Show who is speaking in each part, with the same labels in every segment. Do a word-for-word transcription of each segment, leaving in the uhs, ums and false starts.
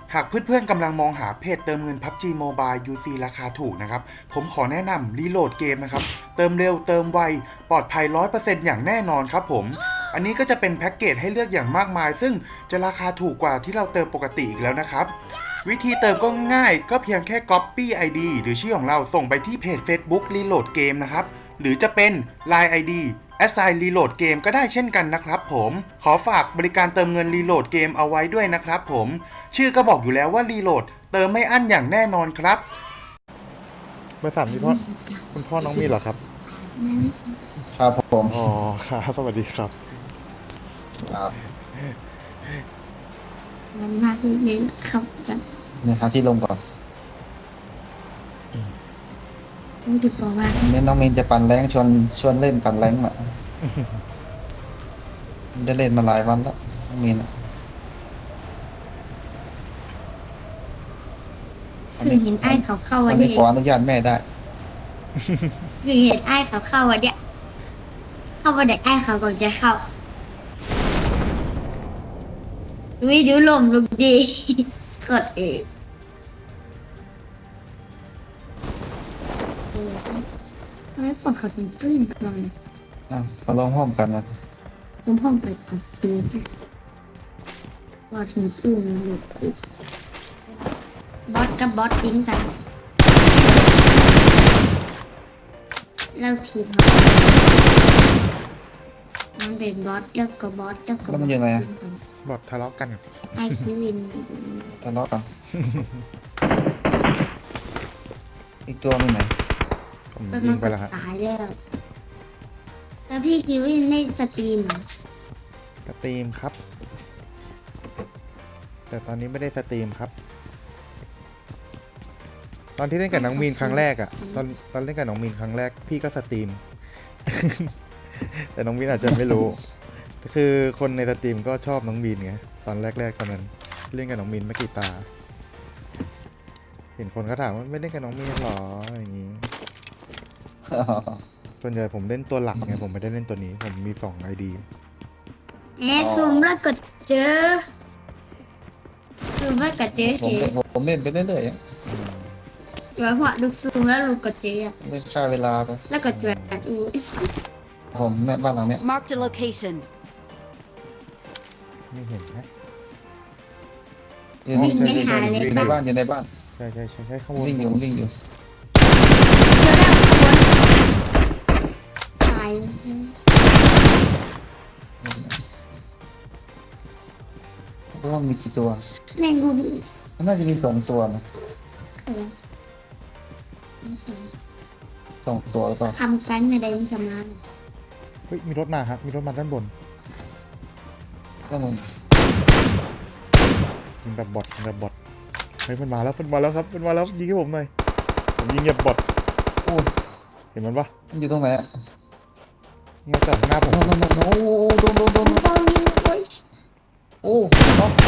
Speaker 1: หากเพื่อนๆกำลังมองหาเพจเติมเงิน พับจี Mobile ยู ซี ราคาถูกนะครับผมขอแนะนำรีโหลดเกมนะครับเติมเร็วเติมไวปลอดภัย ร้อยเปอร์เซ็นต์ อย่างแน่นอนครับผมอันนี้ก็จะเป็นแพ็กเกจให้เลือกอย่างมากมายซึ่งจะราคาถูกกว่าที่เราเติมปกติอีกแล้วนะครับวิธีเติมก็ง่ายๆก็เพียงแค่ Copy ไอ ดี หรือชื่อของเราส่งไปที่เพจ Facebook Reload Game นะครับหรือจะเป็น ไลน์ ไอ ดี Assign Reload Game ก็ได้เช่นกันนะครับผมขอฝากบริการเติมเงิน Reload Game เอาไว้ด้วยนะครับผมชื่อก็บอกอยู่แล้วว่า Reload เติมไม่อั้นอย่างแน่นอนครับเบอร์สามนี่พ่อคุณพ่อน้องมีเหรอครับ
Speaker 2: ครับผม
Speaker 1: อ๋อครับสวัสดีครับ
Speaker 2: ครับ
Speaker 3: มันมาที่นี้ครับจะ
Speaker 2: เนี่ยหาที่ลงก่อน
Speaker 3: รู้ดีกว่าว่า
Speaker 2: เนี่ยน้องเมนจะปั่นแรงชวนชวนเล่นปั่นแรงอ่ะได้เล่นมาหลายวันแล้วน้องเมนอ่ะ
Speaker 3: คือเห็นไอ้เขาเข้า
Speaker 2: วั
Speaker 3: วัน น
Speaker 2: นี้
Speaker 3: นี้
Speaker 2: ขออนุญาตแม่ได้
Speaker 3: คือเห็นไอ้เขาเข้าวันเนี้ยเข้าวันเด็กไอ้เขาก่อนจะเข้าวิดูลมลุกดีกดเองไม่ฝนเขาถึงตื้นก่อน
Speaker 2: อ่ะมาลองห้อมกันนะ
Speaker 3: ผมพ่อไปขับดูว่าถึงตื้นหลุดบอสกับบอสทิ้งกันแล้วผีเขามันเป็นบอสแล้วก็บอสแล้วก็
Speaker 2: แล้วมันยังไงอ่ะ
Speaker 1: บอททะเลาะกัน
Speaker 3: ไอคิวิน
Speaker 2: ทะเลาะกัน อีกตัวนึงไหน
Speaker 1: ผม
Speaker 3: มัน
Speaker 1: ยิงไปแล้วฮะ
Speaker 3: ตายแล้วแล้วพี่คิวินเล่นสตรีมเหรอ
Speaker 1: สตรีมครับแต่ตอนนี้ไม่ได้สตรีมครับตอนที่เล่นกับน้องมีนครั้งแรกอะตอนตอนเล่นกับน้องมีนครั้งแรกพี่ก็สตรีม แต่น้องมีนอาจจะไม่รู้คือคนในสตรีมก็ชอบน้องมีนไงตอนแรกๆตอนนั้นเล่นกับน้องมีนไม่กี่ตาเห็นคนเขาถามว่าไม่เล่นกับน้องมีนหรออย่างนี้ส่วนใหญ่ผมเล่นตัวหลักไงผมไม่ได้เล่นตัวนี้ผมมีสองไอดี
Speaker 3: แอดซูมแล้วกดเจอซูมแล้วกดเจอ
Speaker 2: ผม
Speaker 3: เฉย
Speaker 2: ผมเล่นไปเรื่อยๆอ่ะ
Speaker 3: เดี๋ยวพอดูซูมแล้วลูกกดเจอ
Speaker 2: เล่นค่าเวลาไป
Speaker 3: แล้วกดเจออู
Speaker 2: ผมแม่บ้านหลังเนี้ย
Speaker 4: Marked a location.
Speaker 1: ไม่เห็นนะ
Speaker 2: อยู่นี่อยู่ในบ้านอยู่ในบ้าน
Speaker 1: ใช่ใช่ใช่ใช่ข้างบน
Speaker 2: วิ่งอยู่วิ่งอยู่
Speaker 3: เจอแล้วตาย
Speaker 2: เพราะว่ามีกี่ตัว
Speaker 3: แม่งกู
Speaker 2: มันน่าจะมีสองตัวนะสองตัวหรือเปล่า
Speaker 3: คำกันในใดมันจะมา
Speaker 1: เฮ้ยมีรถมาครับมีรถมาด้านบน
Speaker 2: ก็มัน
Speaker 1: ยิงแบบบอทยิงแบบบอทเฮ้ยมันมาแล้วมันมาแล้วครับมันมาแล้วยิงให้ผมหน่อยผมยิงแบบบอท
Speaker 2: โอ้
Speaker 1: เห็นมันปะ
Speaker 2: มันอยู่ตรงไหนอ่ะ
Speaker 1: ยิงจากข้างหน้าผม
Speaker 2: โน้โน้โน้โน้โดนโดนโดน
Speaker 3: โอ้ยโอ้ย
Speaker 2: โอ้น็อก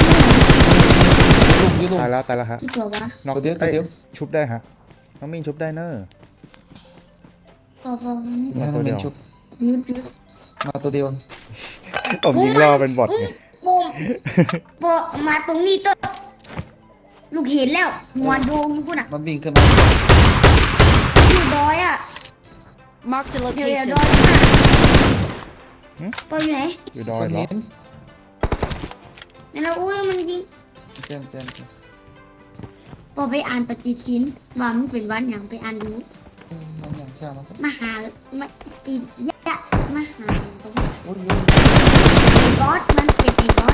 Speaker 2: ลุกยืนลุก
Speaker 1: ตายแล้วตายแล้วฮะ
Speaker 3: ที่ตัววะ
Speaker 1: น็อก
Speaker 2: ตัวเดียวตัวเดียว
Speaker 1: ชุบได้ฮะน้องมินชุบได้เนอะ
Speaker 3: โอ้โห
Speaker 2: มาตัวเดียวชุบ
Speaker 3: ยุดยุด
Speaker 2: มาตัวเดียว
Speaker 1: ผมยิงรอเป็นบอทไง
Speaker 3: โอ้โบมาตรงนี้ตัวลูกเห็นแล้วหัวโดมกูน่ะ
Speaker 2: มันวิ่งขึ้นมา
Speaker 3: อยู่ดอยอ่ะ
Speaker 4: Marked a
Speaker 3: เดี๋ยวเดี๋ยว
Speaker 4: location.
Speaker 3: ดอยมาปอยู่ไหน
Speaker 1: อยู่ดอ
Speaker 2: ค
Speaker 1: ย
Speaker 2: น
Speaker 1: เหรอ
Speaker 2: เห็น
Speaker 3: นั่นแล้วอุ้ยมันยิง
Speaker 2: เจ้าเจ้า
Speaker 3: พอไปอ่านปฏิทินว่ามันเป็นวันอย่างไปอ่านดู
Speaker 2: น้องอย่างเจ้ามันก็
Speaker 3: มหามาติยะมหา
Speaker 2: โอ้ย
Speaker 3: บอสมันเป็นไอ้บอส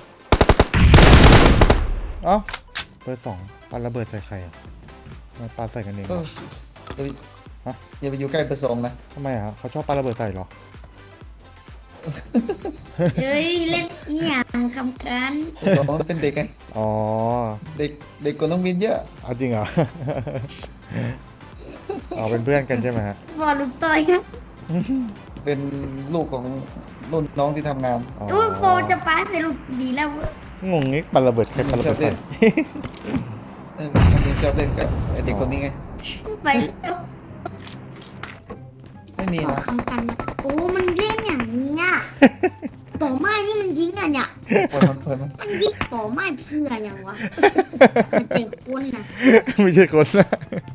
Speaker 1: เอ้าเบอร์สองปาระเบิดใส่ใครอ่ะมาปาใส่กันเอง
Speaker 2: เอ
Speaker 1: เหร
Speaker 2: อ
Speaker 1: อ
Speaker 2: เฮ้ย
Speaker 1: ฮะ
Speaker 2: อย่าไปอยู่ใกล้เบอร์สองนะ
Speaker 1: ทำไมอ่ะเขาชอบปาระเบิดใส่เหรอ
Speaker 3: เฮ้ยเล่นอีหยังคำกัน
Speaker 2: เบอร์สองมันเป็นเด็กไง
Speaker 1: อ๋อ
Speaker 2: เด็กเด็กกว่าน้องมินเยอะ
Speaker 1: เอาจริงเหรอ อ๋อเป็นเพื่อนกันใช่ไหมฮะ
Speaker 3: บอลลูกต่อยนะ
Speaker 2: เป็นลูกของรุ่นน้องที่ทำงาน
Speaker 1: อ๋อ
Speaker 3: อุ้ยโปจะป้าแต่ลูกดีแล้ว
Speaker 1: งงงี้ปาระเบิดใครปาระเบิดใส่
Speaker 2: เออน้องมินชอบเล่นกับไอเด็กคนนี้ไง
Speaker 3: ไปแล้ว
Speaker 2: ไม่มี
Speaker 3: ขอ
Speaker 2: นะ
Speaker 3: คำกันนะโอ้มันเล่นอย่างนี้อ่ะป่อไม้นี่มันยิงอะเนี่ย
Speaker 2: เพลินมันเพลินมัน
Speaker 3: มันยิงป่อไม้เพื่ออย่างวะมันเจ็บคนนะ
Speaker 1: ไม่ใช่คนนะ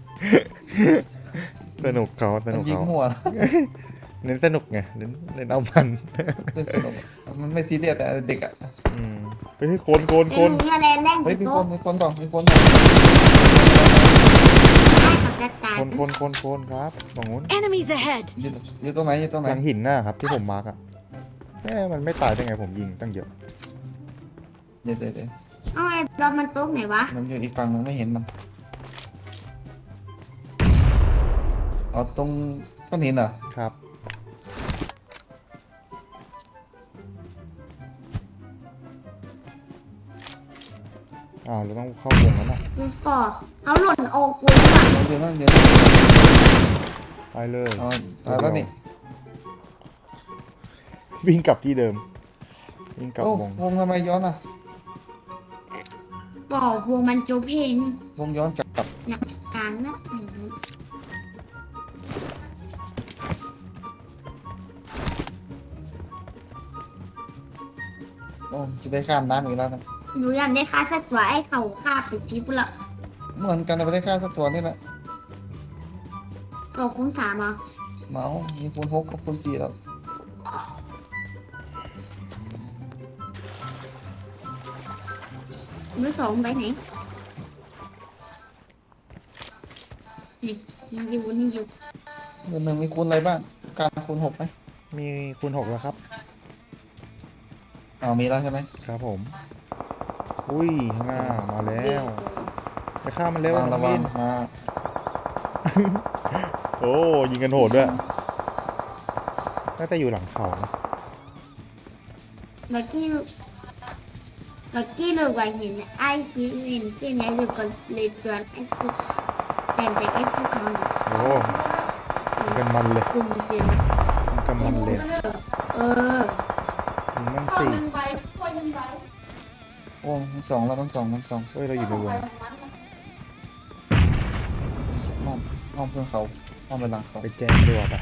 Speaker 1: สนุกเขาส
Speaker 2: มั
Speaker 1: นุ
Speaker 2: น
Speaker 1: ก
Speaker 2: ยิง
Speaker 1: เขา
Speaker 2: มั่ว
Speaker 1: เน้นสนุกไงเน้นเน้นเอามัน
Speaker 2: เล่นสนุกมันไม่ซีเรียสแต่เด็กอ่ะ
Speaker 1: อืมไปให้คนคนค
Speaker 3: เป็น
Speaker 1: น
Speaker 3: หนูอะไรแรง
Speaker 2: เฮ้ยมีค
Speaker 3: โต๊ะ
Speaker 2: นมีคนต่อมีคนต่อ
Speaker 3: ไอ้เขาจัดการ
Speaker 1: คนคนคนคนครับตรงนู้น
Speaker 4: Enemies ahead!
Speaker 2: อยู่อยู่ตรงไหนอยู่ตรงไหน
Speaker 1: หลังหินหน้าครับที่ผมมาร์กอ่ะแม่มันไม่ตายได้ไงผมยิงตั้งเยอะ
Speaker 2: เดี๋ยวเดี๋ยวเดี๋ยว
Speaker 3: เอาไอ้รถมันโต๊ะไหนวะ
Speaker 2: มันอยู่อีกฝั่งนึงไม่เห็นมันอ๋อตรงก้อนหินเหรอ
Speaker 1: ครับอ้าวเราต้องเข้าวงแล้วนะ
Speaker 3: ดูก่อเอาหล่นโอ้กูว่ะ
Speaker 2: เดี๋ยวนั่นเดี๋ยว
Speaker 1: ไปเลย
Speaker 2: อ๋อตายแล้วนี่
Speaker 1: วิ่งกลับที่เดิมวิ่งกลับ
Speaker 2: โอ้
Speaker 1: วง
Speaker 2: วงทำไมย้อนอ่ะ
Speaker 3: บอกพวงมันโจเพน
Speaker 2: วงย้อนกลับ
Speaker 3: หนักกลางนะอืม
Speaker 2: โอ้จะได้ข้ามน้ำอีกแล้วนะ
Speaker 3: หนูอยากได้ค่าสักตัวไอ้เขาฆ่าไปชิปละ
Speaker 2: เหมือนกันเราได้ค่าสักตัวนี่แหละ
Speaker 3: ตัวคุ้มสามอ่ะ
Speaker 2: เมาส์มีคูณหกกับคูณสี่แล้ว
Speaker 3: มือสองไปไหนนี่ยังอยู่นี่อยู่
Speaker 2: เงินหนึ่งมีคูณอะไรบ้างการคูณหกไหม
Speaker 1: มีคูณหกแล้วครับ
Speaker 2: อ๋อมีแล้วใช่ไหม
Speaker 1: ครับผม อุ้ยข้างหน้ามาแล้ว ไปฆ่ามันเร็ว
Speaker 2: ระวัง
Speaker 1: น้
Speaker 2: ระ
Speaker 1: อง
Speaker 2: วั
Speaker 1: วิ
Speaker 2: ง
Speaker 1: น
Speaker 2: มา
Speaker 1: โอ้ยิงกันโหดด้วยน่าจะอยู่หลังเขานะ
Speaker 3: ลักกี้ลักกี้เลยว่าเห็นไอ้ชี้เห็นเส้นนี้เลยก็เลยจวนไอ้ฟุกแต่แต่ไอ้ฟุกเขาเนี่ย
Speaker 1: โอ้ยิงกันมันเลย
Speaker 3: กลุ่มเดียว
Speaker 1: ยิงกันมันเลย
Speaker 3: เออ
Speaker 1: ยิงมันสี่
Speaker 2: โอ้ทั้งสองแล้วทั้งสองทั้งสอง
Speaker 1: เฮ้ยเราอยู่ในวง
Speaker 2: น้องน้องเพื่อนเขาน้องไปหลังเขา
Speaker 1: ไปแจมดีกว่าไป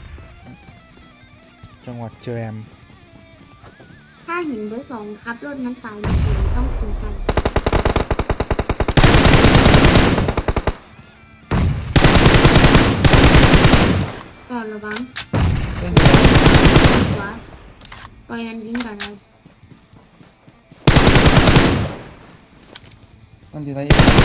Speaker 1: จังหวัดแจม
Speaker 3: ถ้าเห็นเบอร์สองครับรถน้ำตาลจริงต้องกินกันก่อนระวัง
Speaker 2: เล่น
Speaker 3: หัวปล่อยมันยิงก่อนเลย
Speaker 2: มันอยู่ไหน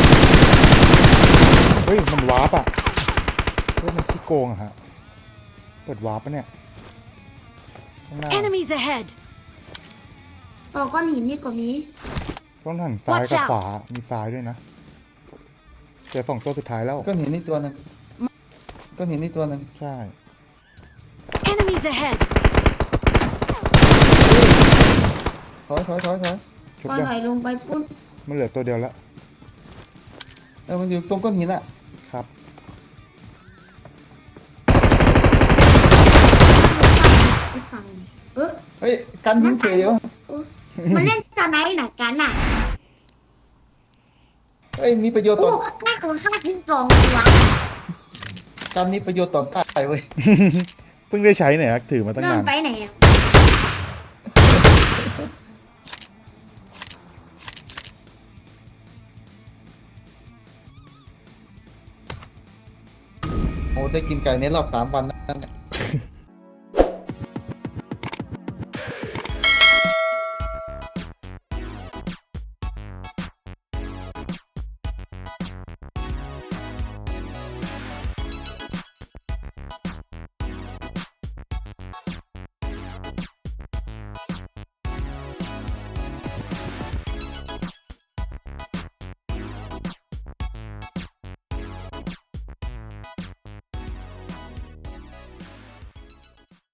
Speaker 1: เฮ้ยมันวาร์ปอ่ะเฮ้ยมันขี้โกงอะฮะเปิดวาร์ปปะเนี่ยข้างหน้า
Speaker 4: Enemies ahead!
Speaker 3: ต่อก้อนหินนี่ก็มี
Speaker 1: ต้องหันซ้าย
Speaker 4: Watch
Speaker 1: กับ
Speaker 4: out
Speaker 1: ขวามีซ้ายด้วยนะเจอสองตัวสุดท้ายแล้ว
Speaker 2: ก้อนหินนี่ตัวหนึงก้อนหินนี่ตัวหนึง
Speaker 1: ใช่
Speaker 4: Enemies ahead!
Speaker 2: ถอยถอยถอยถอย
Speaker 1: ชุบ
Speaker 3: ก็
Speaker 1: ยัง
Speaker 3: ถอยลงไปปุ้น
Speaker 1: มันเหลือตัวเดียวแล้ว
Speaker 2: เออมันอยู่ตรงก้อนหินอ่ะ
Speaker 1: ครับ
Speaker 3: ไปฝั่งเออ
Speaker 2: เฮ้ยกันยิงเฉยอยู่
Speaker 3: เออมันเล่นสไนด์หนักกันอ่ะ
Speaker 2: เฮ้ยมีประโยชน์
Speaker 3: โอ้
Speaker 2: ต่อ
Speaker 3: หน้าของข้าทิ้งสองตัว
Speaker 2: กันมีประโยชน์ต่อตายเว้ย
Speaker 1: เพิ่งได้ใช้เนี่ยครับถือมาตั้ง
Speaker 3: เริ่ม
Speaker 1: นาน
Speaker 3: ไปไหนอ่ะ
Speaker 2: โอ้ได้กินไก่ในรอบสามวันนั่นแหละ